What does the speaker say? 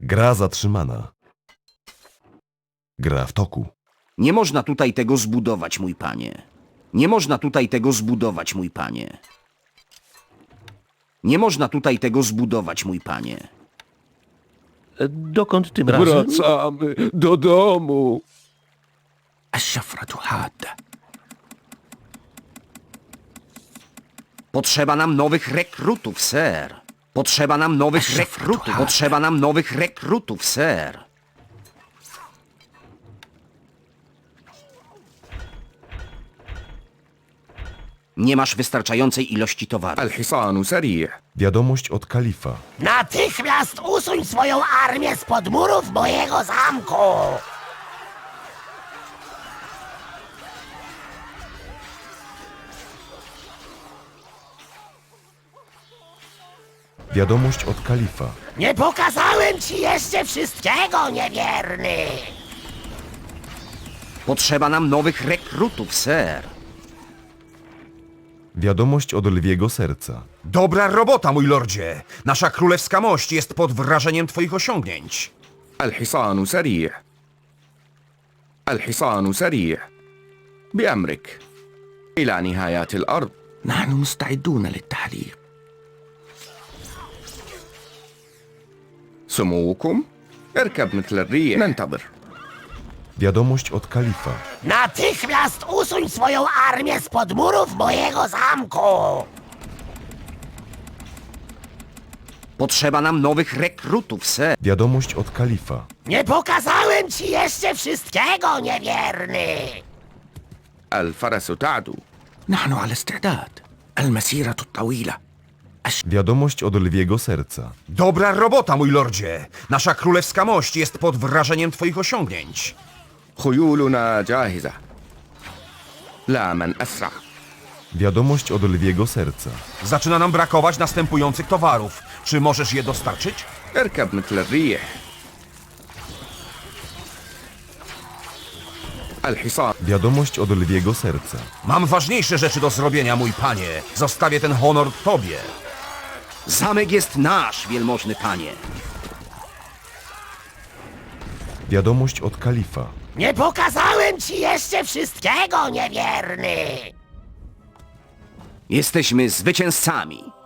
Gra zatrzymana. Gra w toku. Nie można tutaj tego zbudować, mój panie. Nie można tutaj tego zbudować, mój panie. Nie można tutaj tego zbudować, mój panie. Dokąd tym razem? Wracamy do domu. الشفرة حادة. Potrzeba nam nowych rekrutów, ser. Potrzeba nam nowych rekrutów. Potrzeba nam nowych rekrutów, ser. Nie masz wystarczającej ilości towaru. الحصان سريع. Wiadomość od kalifa. Natychmiast usuń swoją armię spod murów mojego zamku! Wiadomość od kalifa. Nie pokazałem ci jeszcze wszystkiego, niewierny! Potrzeba nam nowych rekrutów, ser. Wiadomość od lwiego serca. Dobra robota, mój lordzie! Nasza królewska mość jest pod wrażeniem twoich osiągnięć. الحصان سريع. الحصان سريع. بأمرك. إلى نهايات الأرض. نحن مستعدون للتحليق. سموكم. اركب مثل الريح. ننتظر. Wiadomość od kalifa. Natychmiast usuń swoją armię spod murów mojego zamku! Potrzeba nam nowych rekrutów, ser. Wiadomość od kalifa. Nie pokazałem ci jeszcze wszystkiego, niewierny! الفرس تعدو. نحن على استعداد. المسيرة الطويلة. Wiadomość od lwiego serca. Dobra robota, mój lordzie! Nasza królewska mość jest pod wrażeniem twoich osiągnięć. خيولنا جاهزة. لا من أسرع. Wiadomość od lwiego serca. Zaczyna nam brakować następujących towarów. Czy możesz je dostarczyć? اركب مثل الريح. الحصان. Wiadomość od lwiego serca. Mam ważniejsze rzeczy do zrobienia, mój panie. Zostawię ten honor tobie. Zamek jest nasz, wielmożny panie. Wiadomość od kalifa. Nie pokazałem ci jeszcze wszystkiego, niewierny! Jesteśmy zwycięzcami.